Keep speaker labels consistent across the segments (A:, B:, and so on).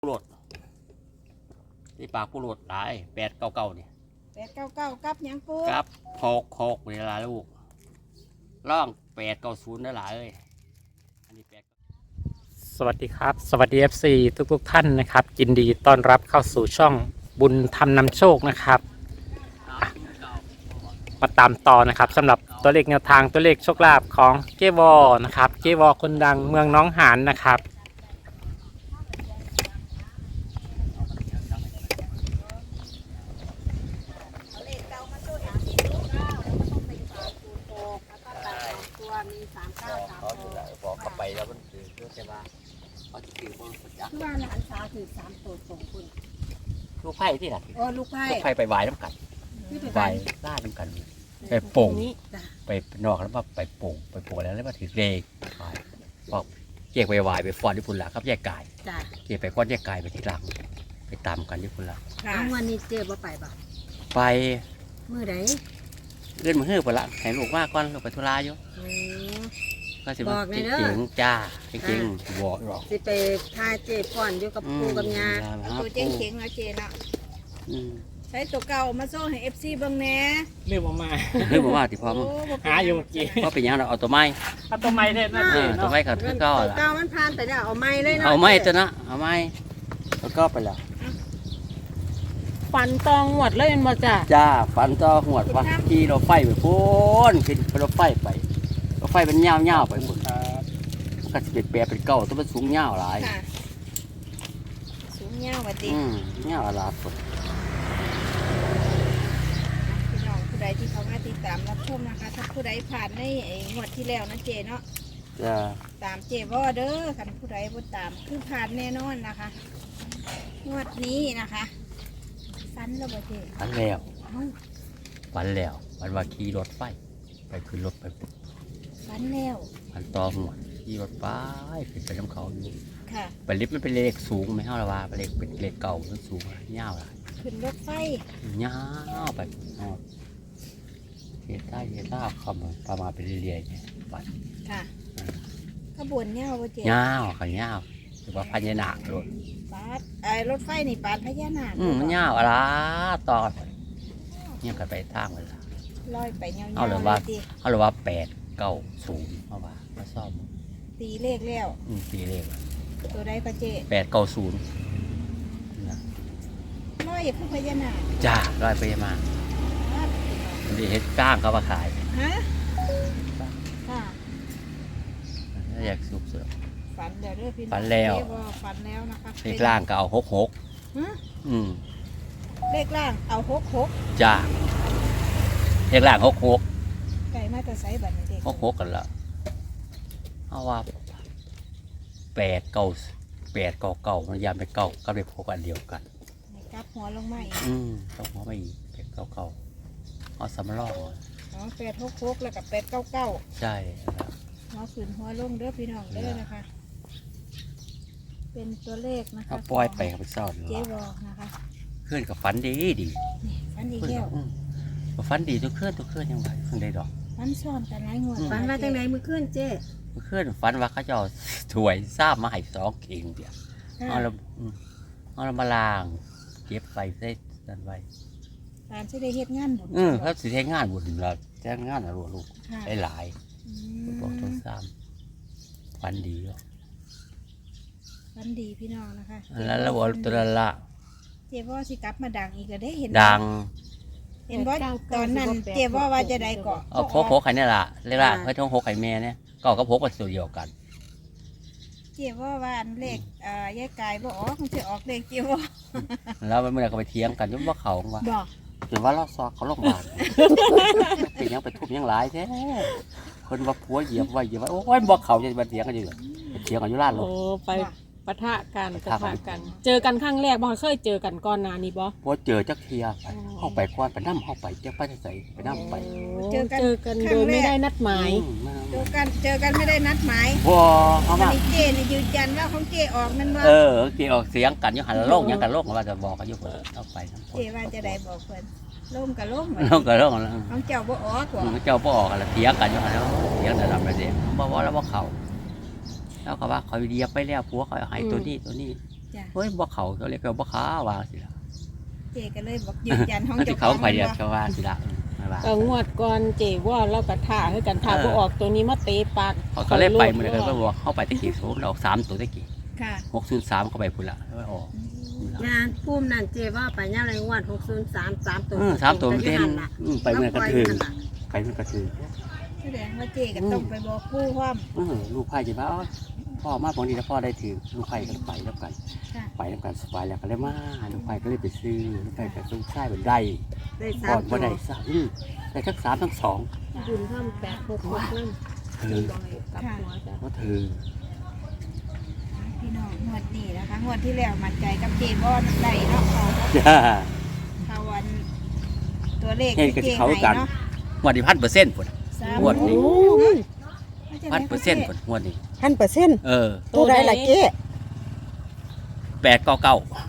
A: ผู้โหลดที่ปากผู้โหลดหลาย899นี่
B: 899กับหยังปู
A: กับ6เวลาลูกร่อง890นั่นหลายอันนี้
C: สวัสดีครับสวัสดี FC ทุกท่านนะครับยินดีต้อนรับเข้าสู่ช่องบุญธรรมนำโชคนะครับมาตามต่อนะครับสำหรับตัวเลขแนวทางตัวเลขโชคลาภของเจวอนะครับเจวอคนดังเมืองน้องหานนะครับ
A: บอกเข้าไปแล้วมันคือเพื่อจะว่าเขาจะถือบอลประจักษ์
B: คือว่าหลานสาวถือ3ตัวส่งคุณ
A: ลูกไผ่ที่ไหน
B: โอ้ลูกไผ่
A: ลูกไผ่ไปวายน้ำกัน
B: ที่ไป
A: วายล่าน้ำกันไปโป่ง
B: นี้จ้ะ
A: ไปนอกแล้วมาไปโป่งแล้วมาถือเลขบอกเกี่ยไปวายไปฟอนที่พุ่นละครับแยกกาย
B: จ้ะ
A: เกี่ยไปก้อนแยกกายไปที่หลังไปตามกันที่พุ่นละ
B: ค่ะวันนี้เจ๊บ่ไปบ่
A: ไป
B: มื้อใด
A: เล่นมือหื้อไปละแข่งลูกมากก่อนลูกไปธุระอยู่
B: โอ้
A: ก็สิ
B: บอกเลยเด้อ
A: จริงๆจ้าจริงๆบอกหรอก
B: สิไปพาเจ๊ป้อนอยู่กับปู่กับย่า
D: ตัวเจ๊งเข็งเนาะเจเนาะ
A: อืม
D: ใช้ตัวเก่ามาโซ่ให้ FC เบิ่งแหน่
C: เรื่องมา
A: เรื่องบอกว่าที่พร้อม
D: โอ้บ่เป็น
C: หาอยู่เมื่อกี้
A: เพราะเป็นหยังเราเอาตัวไม้
C: เอาตัวไม้ได้นะ
A: ตัวไม้กับตัวเก้า
B: ตัว
A: ละ
B: เก่ามันผ่านไปแล้วเอาไม้เลยเนาะ
A: เอาไม้ตัวนะเอาไม้ตัวเก้าไปแล้ว
D: ฟันตองหวดเลยมันบ่จ้ะ
A: จ้าฟันต่อหัวฟันขี่รถไฟไปพ้นขึ้นรถไฟไปรถไฟเป็นเงาไปหมดมันก็จะเป็นแปรเป็นเก้าตัวมันสูงเงาหลาย
D: ค่ะสูงยาวว่าติ
A: เงาหลายคน
D: พี่น้องผู้ใดที่เขามาติดตามรับชมนะคะ ถ้าผู้ใดผ่านในงวดที่แล้วนะเจเนาะ
A: จ้า
D: ตามเจบ่เด้อคันผู้ใดบ่ตามคือผ่านแน่นอนนะคะงวดนี้นะคะฟันแล้วบ่เจ
A: ฟันแล้ว
D: เอ้า
A: ฟันแล้วฟันว่าขี่รถไฟไปขึ้นรถไป
D: ฟันแล้ว
A: ฟันต่อหัวขี่รถไปขึ้นไปน้ำเขาอยู่
D: ค่ะ
A: ไปลิฟต์มันเป็นเลขสูงไม่เท่าละว่าเป็นเลขเก่ามันสูงเงาหลาย
D: ขึ้นรถไฟ
A: ยาวไปเฮ็ดได้คำประมาณไปเรื่อยๆเนี่ยปัด
D: ค่ะขบวนยาวบ่เจ
A: ยาวขันยาวหรือว่าพญานาครถ
D: ปาดรถไฟนี่ปาดพญานาค
A: มันยาวอะไรต่อเนี่ยกันไปทางเลย
D: ลอยไปยาวๆ
A: เอาเลยว่า
D: ติ
A: เขาเลยว่า890เพราะว่ามาซ่อม
D: ตีเลขแล้ว
A: ปีเลข
D: ตัวใดก็เจ
A: 890นะ
D: ร้อยคือพญานาค
A: จ้าร้อยไปมามันได้เฮ็ดก้างเขามาขาย
D: ฮะค่ะ
A: ถ้าอยากสูบเสือ
D: ฝันแล้วเด้อพี่น้อง
A: ฝันแล้ว
D: เจ๊บอกฝันแล้วนะคะ
A: เลขล่างก็เอา66
D: ฮะ เลขล่างเอา66
A: จ้าเลขล่าง66
D: ไก่มาแต่ไซบัตรเด็ก
A: 66กันละเอาว่า899มันยามไปเก้ากับเลข6อันเดียวกัน
D: กลับหัวลงมาอีก
A: ต้องหัวไม่อีก899เอาสำรอง
D: อ๋อ866แล้วกับ899
A: ใช่ครับ
D: หัวขึ้นหัวลงเด้อพี่น้องเด้อนะคะ เป็นตัวเลขนะคะ
A: เอาปล่อยไปเขาไปซ่อน
D: เจ๊บอกนะคะ
A: เคลื่อนกับฟันดีดี
D: นี่ฝันอีกแล้ว
A: ฟันดีตัวเคลื่อนยังไงเพิ่งได้ดอก
D: ฝันซ้อนกันหลายงวด
B: ฝันว่าจังไดมื้อคืนเจ๊
A: เคลื่อนฟันว่าเขาจะเอาถวยซ้ำมาให้2 เข่งเดียวเอาเรามาล้างเก็บไว้ได้นั่นไว้
D: ตามที่ได้เฮ็ดงานบุญ
A: เขาสิใช้งานบุญเราแจ้งงานอะไรลูก
D: ค่ะ
A: ได้หลาย
D: อื
A: บอกต้
D: ม
A: นซ้ำฟันดีอ่ะ
D: ฝันดีพี่น้องนะคะ
A: แล้วเราบอกตัวละ
D: เจ๊ว่าสิกลับมาดังอีกก็ได้เห็น
A: ดัง
D: เห็นว่าตอนนั้นเจ๊ว่าจะได้เกาะ
A: เอาพกไข่นี่แหละเรียกว่าเฮ้ยท้องพกไข่แม่เนี่ยก็พกมาตัวเดียวกัน
D: เจ๊ว่าอันเลขยายกายบ่ออกมันจะออกเลขเจ๊ว่า
A: แล้วเมื่อไรก็ไปเถียงกันยุ่งว่าเขาว่า
D: บอก
A: ถือว่าเราซอกเขาลงมาเป็นยังไปทุบยังหลายแท้คนว่าผัวเหยียบว่าโอ้ยบอกเขาจะมาเถียงกันอยู่เถียงกันอยู่ร้านลู
E: โอ้
A: ก
E: ไปปะทะกัน
A: ปะ
E: ปะ
A: ทะ
E: ทะ
A: กั
E: กัน น เจอกันครั้งแรกบ่เคยเจอกันก่อนหน้านี้บ่
A: พอเจอจักเทียไปเข้าไปควันไปน้ำเข้าไปเจ้าไปใส่ไปน้ำไป
E: เจอกันโดยไม่ได้นัดหมาย
D: เจอกันไม่ได้นัดหมาย
A: พอเขา
D: วัน
A: มา
D: นี้เจ๊นี่ยืนยันว่าของเจ๊ออกนั่นว่า
A: เกี่ยวเสียงกันอยู่หันโลกยังกันโลกว่าจะบอกกันอยู่เพิ่นเอาไปทั้งคน
D: เจ๊ว่าจะได้บอกเพิ่นล่มกับล่ม
A: โลกกับโลกแล้ว
D: ของเจ้าบ่ออกบ่
A: เจ้าพ่อกันละเถียงกันอยู่หันแล้วเถียงแต่ลำระเดียบอกว่าแล้วว่าเขาแล้วก็ว่าเขาเดียบไปแล้วผัวเขาให้ตัวนี้
D: จ้ะ
A: เฮ้ยบ่เขาเขาเรียกว่าบ่ขาว่าสิล่ะ
D: เจก็เลยบอกยืนยันห้อง
A: มันสิ
D: เจ้าข
A: เขา
D: อง
A: ไปเดียว
D: ว่า
A: เขาว่าสิล่ะมาว่า
E: ก็งวดก่อนเจว่าเราก็ท่าให้กันท่า
A: เออ
E: บ่ออกตัวนี้มาเตะปาก
A: เขาก็เลยไปมื้อนั้นก็บอกเข้าไปตะกี้โซนออก3ตัวตะกี้
D: ค่ะ
A: 603เข้าไปพุ่นล่ะแล้วออก
B: งานปุ้มนั่นเจว่าไปย่ามไรงวด603 3ตัว
A: 3ตัวมันเต้นไปมื้อนั้นก็ถือ
B: แล้วปล่อย
A: ไปมันก็ถือ
D: แสดงว่าเจก็ต้องไปบอกผู้พร้อม
A: ลูกไผ่จะว่าอ๋อพ่อมาบางทีแล้วพ่อได้ถือลูกไผ่ก็ไปแล้วกัน
D: ค่ะ
A: ไปแล้วกันสบายแล้วก็เลยมาลูกไผ่ก็เลยไปซื้อลูกไผ่กับลูกชายเป็นได้
B: ได้
A: ก่อน
B: 3
A: ว่า
B: ตัว
A: ได้สามได้ทั้งสามทั้งสอง
E: บุญทำ866นั่น
A: เธอ
E: กับหัวจ้ะ
A: ว่าเธอ
D: พี่น้องงวดนี้นะคะงวดที่แล้วมั่นใจกับเจบอนได้เนาะเขา
A: จ้า
D: เขาวันตัวเลข
A: เห็น
D: ที่
A: กับ
D: เจ
A: เขา
D: ให้
A: กัน
D: เนาะ
A: วันนี้1,000%พุ่น งวดนี้ 1,000%พุ่นงวดนี้
F: 1,000% ตัวใดล่ะเจ๊
A: 899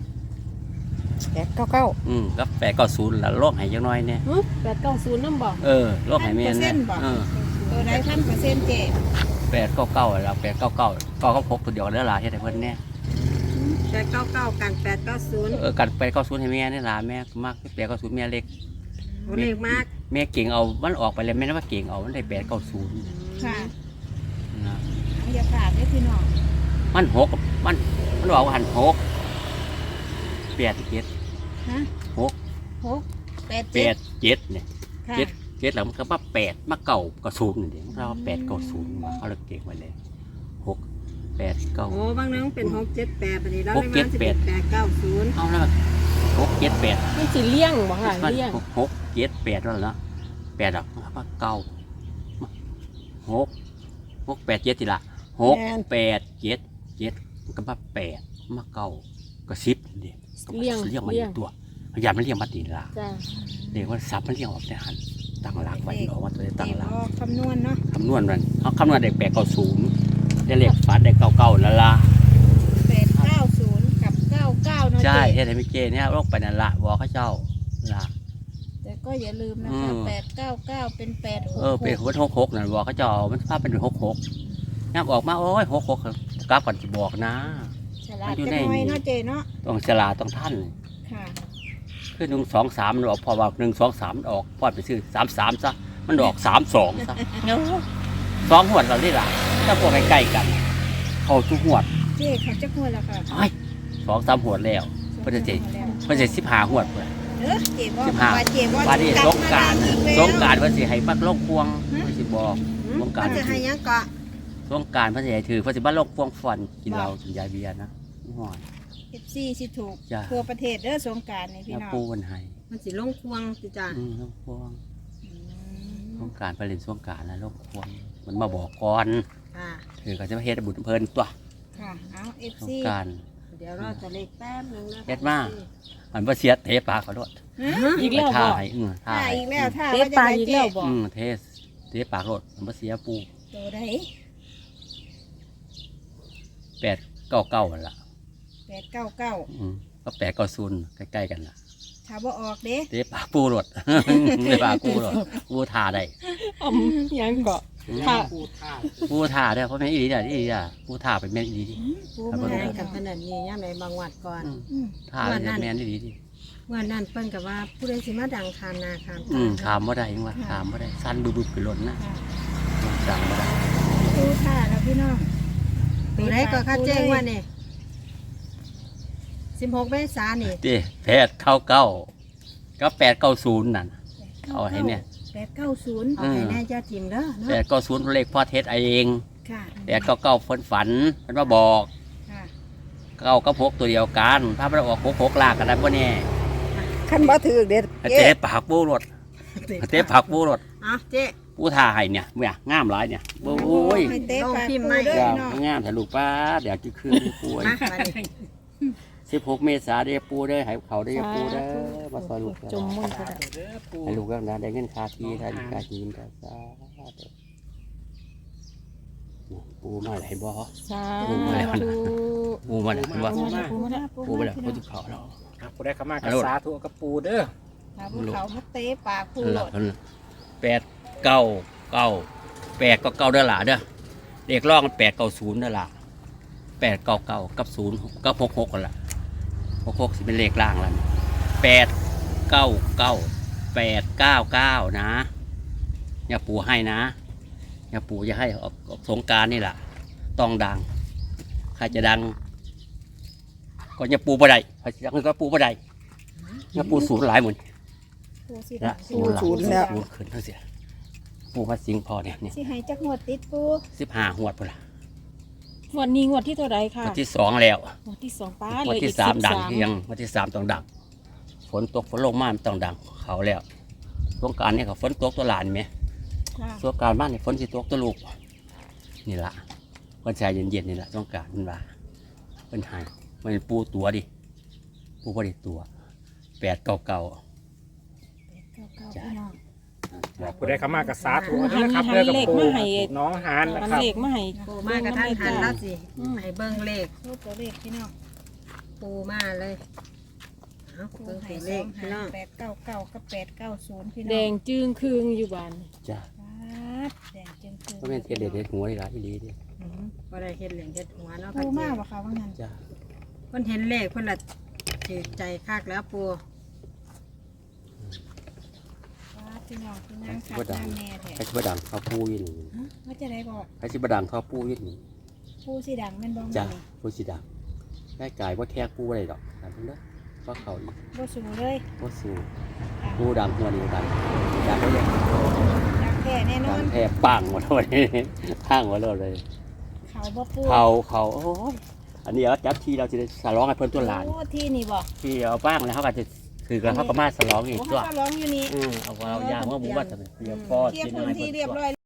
F: 899
A: กับ890แล้วโลกให้จังน้อยเนี่ย
E: 890นำบ่
A: โลกให้แม่นเนี่ย
D: ตัวใด1,000%เจ
A: 899แล้ว899ก็พกตัวเดียวเด้อล่ะเฮ็ดให้เพิ่นแน่
B: 899กัน890
A: กัน890ให้แม่นี่ล่ะแม่มัก890แม่เล็ก
B: โอ้เลขมาก
A: แม่เก่งเอามันออกไปแล้วแม่นว่าเก่งเอามันได้890
D: ค่ะ
A: นะ
D: อย่าขาดเด้อพี่น้อง
A: มันหกมันบอกว่าหันหก8 7
D: ฮะ
A: หก
D: 8
A: 8 7เนี่ย
D: ค่ะ
A: 7แล้วมันก็มา8มาเก่าก็0นี่เด้เรา8 90มาเขาเลยเก่งไว้เลย6 8
B: โอ้
A: 9
B: บางนึงเป็น678บัดนี้เรา
A: ห
B: เล
A: ก
B: ย
A: เจ็
B: มา
A: ด
B: สิ
A: แป
B: เป็
A: ด
B: น890
A: เอาแล้ว6 7 8
E: มันสิเลี้ยงบ่ค่ะเลี้ยง
A: 6 7 8แล้วเนาะ8ดอกมาเก่า6 8 7ทีละ6 8 7 7มันก็มา8มาเก่าก็10นี่ก็เลี้ยงมาอีกตัวพยายามมันเลี้ยงมาตีละ
E: จ้ะ
A: เรียกว่าซับมันเรียกออกแต่หันตั้งหลักไว้ออกว่าตัวได้ตั้งหลัก
D: คำนวณเนาะ
A: คำนวณมันเขาคำนวณได้890ได้เลขฝันได้99นั่นละ
D: 890กับ99เนาะ
A: ใช่
D: เจ๊
A: เฮ็ดให้ไม่เจเนี่ยโรคไปนั่นละบอกเขาเจ้าละ
D: แต่ก็อย่าลืมนะ
A: อื
D: คะ
A: ม
D: 899เป็น866
A: เป็นหัว66นั่นบอกเขาเจ้ามันภาพเป็น66ย่ำออกมาโอ้ย66กลับก่อนจะบอกนะ
D: ฉลาดจังหน่อยเนาะเจ๊เนาะ
A: ต้องฉลาดต้องท่าน
D: ค่ะ
A: คือ1 2 3มันออกพอว่า1 2 3มันออกพอไปซื้อ33ซะมันออก32ซะ2หวดเราได้ละถ้าพวกใกล้ๆกัน เข้าทุกหวด
D: เจ๊เขาจะหัวแล้วค่ะ
A: ไอ้2-3หวดแล้วเพิ่นจะเจ็ดเพิ่นจะ15หวดเพิ่น
D: เจ๊บอก
A: 15
D: ว่าเจ๊บอก
A: ว่านี่สงกราร
D: อีกแล้ว
A: สงกรารเพิ่นสิให้ปักลงพวงเพิ่นสิบอกสงกราร
B: มันจะให้ยังเกาะ
A: สงกรารเพิ่นสิให้ถือเพิ่นสิบ้านลงพวงฟันกินเหล้ากินยาเบียร์นะห่อน
D: FC สิถูก
A: จ้ะ
D: ทั่วประเทศเด้อสงกรารนี่พี่
A: แล้ว
D: น้อง
A: ปูเพิ่นให้
B: มันสิลงควงสิจ้า
A: ลงพวงสงกรารเพิ่นเล่นสงกรารนะลงพวงมันมาบอกก่อน
B: ค่ะ
A: ถือก็จะมาเฮ็ดให้บุญเพิ่นตัว
D: ค่ะเอา
A: ส
D: FC
A: งกราร
B: เดี๋ยวเราจะเลขแป๊บนึงนะ
A: เฮ็ดมา มันบ่เสียเทปากเขาโลด
E: อีกแล้ว
A: ท่า
E: บ่
A: ให้ท่า
D: ถ้า
A: ให้
D: อีกแล้วถ้า
E: เตะ
D: ว่าจะ
E: ปาก
D: ได้
E: อีก
D: เจ๊
E: แล้วบ่
A: เทปากโลดมันบ่เสียปู
D: ตัวใด
A: 899นั่นล่ะ
D: 899
A: ก็890ใกล้ๆกันล่ะ
D: ถ้าบ่ออกเด้
A: เตะปากปูโลด เตะปากปูโลดปูท่าได้
E: ยังเกาะท่า
A: ปูท่าได้เพราะแม่นอีหลีเด้ออีหลีอ่ะปูท่าเป็นแม่นอีหลีดิ
D: ปู
A: ครับ
D: มา
B: แม่
D: แล้ว
B: กับขนาดนี้ย่ามในบางวัดก่อน
D: อืม
A: ท่าเป็นแม่นอีหลีดิ
B: เมื่อนั้นเปิ้นกับว่าผู้ใดสิมาดังคามนาคาม
A: ขามบ่ได้ยังว่าขามบ่ได้สั้นบึบๆขึ้นรถนะ
D: ค่ะ
A: สั่งบ่ได้
D: ปูท่าแล้วพี่น้อง
B: ตัวใดก็ค่าแจ้งว่านี่16 เมษายนนี่
A: เต้899กับ890นั่นเอาให้เนี่ย
D: 890
B: เอาให้แน่เจ้าทิมเด้อเนาะ
A: 890เลขพ่อเทศเอง
D: ค่ะ
A: 899เพิ่นฝันเพิ่นมาบอก
D: ค่ะ
A: 9กับ6ตัวเดียวกันถ้ามันออก66ลากกันได้บ่แน่
F: คันบ่ถือเด็ด
A: เตะปากปูรถเตะปากปูรถ
B: เอาเจ๊
A: ปูท่าให้เนี่ยเนี่ยงามหลายเนี่ยโอ้ย
D: ให้เตะปาก
B: ลองพิมพ์
D: ปู
B: ไหม
D: เด้อ
A: จ้า
D: พี่น้อง
A: งามแต่ลูกป้าเดี๋ยวจะคืนปูไว้
B: มาบัดนี้
A: 16 เมษายนได้ปูเด้อให้เขาได้ปูเด้อมาซอยลูก
E: จมมุ่นก็ได้
A: ให้ลูกแล้วนะได้เงินค่าที่ได้ค่าจีนได้ซาปูมาไหนบ่
E: สา
A: ปูมาแล้ว
E: ธุ
A: ปูมาแล้วปูมา
E: ปูมาปูมา
A: ปูมาแล้วปูทุกเขาแล้ว
C: ครับผู้ได้เข้ามากับสาธุกับปูเด้อ
D: ถ้าภูเขามาเตะปากปู
A: นั่น
D: โหล
A: ล่ะ
D: ด
A: นั่นล่ะ899 899เด้อล่ะเด้อเลขรองมัน890เด้อล่ะ 899กับ0กับ66กันละ66สิเป็นเลขล่างแล้ว899 899นะอย่าปู่ให้นะอย่าปู่จะให้ออกสงกรานต์นี่แหละต้องดังใครจะดังก็อย่าปู่บ่ได้ใครจะดังก็ปู่บ่ได้อย่าปู่ศูนย์หลายหมด
D: ปูสิ
A: นะ
F: ศูนย์แล้ว
A: ศูนย์ขึ้นทั้งเสียปู่มาสิงพอเนี่ย
D: สิให้จักงวดติดปู
A: 15 หวดพุ่นละ
E: วันนี้งวดที่เท่าไรค่ะ
A: วันที่2แล้ว
E: งวดที่สองป้า
A: วัน
E: เลย
A: ที่
E: อีก
A: 3ดัง
E: 13
A: เพียงวันที่3ต้องดังฝนตกฝนลงมามันต้องดังเขาแล้วสงกรานต์นี่ก็ฝนตกตัวหลานไหม
D: ค่ะ
A: สงกรานต์บ้านนี่ฝนสิตกตัวลูกนี่ละวันชายเย็นๆนี่ละสงกรานต์มันว่าเป็นหายมันปูตัวดิปูบ่ได้ตัว899
D: พี่น้อง
A: บอก
C: ผู้ใดเข้ามากับสาธุนะครับเด้อกับปูน้องหานนะ
E: มัน
C: ครับ
E: เลขมาให้
B: ปูมากระทันหันแล้วสิ
E: อืม
B: ให้เบิ่งเลข
D: รูปตัวเลขพี่น้อง
B: ปูมาเลยเอา
D: ปู
B: เบิ่ง
D: ให้
B: ตัว
D: ส
B: เล
D: อ
B: ข
D: ง
B: พี่
D: หา
B: น้อง
D: 899กับ890พี่น้อง
E: แดงจึงคืงอยู่บ้าน
A: จ้า
D: ครับแดงจึงคือ
A: ก็เป็นเทเด็ดเด็ดหัวนี่ละอีหลีดิ
B: บ่ได้เฮ็ดเหลียงเฮ็ดหัวเนาะ
D: ปู
B: ค่ะ
D: มา
B: เจ๊
D: บ่คะว่างั้น
A: จ้า
B: เพิ่นเห็นเลขเพิ่นละถือใจคักแล้วปู
D: ครับพี่น้องพี่นางคัดน้ำแม่แท้
A: ใครสิบดังเขาปูอยู่นี่
D: ว่าจะได้บอก
A: ใครสิบดังเขาปูอยู่นี่
D: ปูสีดังแม่นบ่
A: จ้า
D: แม่นี่
A: ปูสิดังได้กายว่าแค่ปูอะไรดอกแต่เพิ่นเด้อว่าเขาอีก
D: บ่สูงเลย
A: ว่าสู้ปูดังหัวนี่ดังดังเขาเลย
D: ดังแท้แน่น
A: ดั
D: อง น
A: แทบปังหมดเลยห้างหมดเลย
D: เขาบ่ปู
A: เขาโอ้ยอันนี้เอาจับทีเราจะได้สลองให้เพิ่นตัวหลาน
D: โอ้ที่นี่บอก
A: ที่เอาบ้างแล้วเขาก็จะคือเขาก็มาสลองอีก
D: โอ้
A: ตัว
D: เขาก็ร้องอยู่นี่
A: เอาเรายางว่าบุบัติเดี๋ยวพ่อ
D: เคลีย
A: กิ
D: ร์
A: น
D: พื้
A: อะไร
D: นที่
A: เพิ่น
D: เรียบ
A: ตัว
D: ร้อย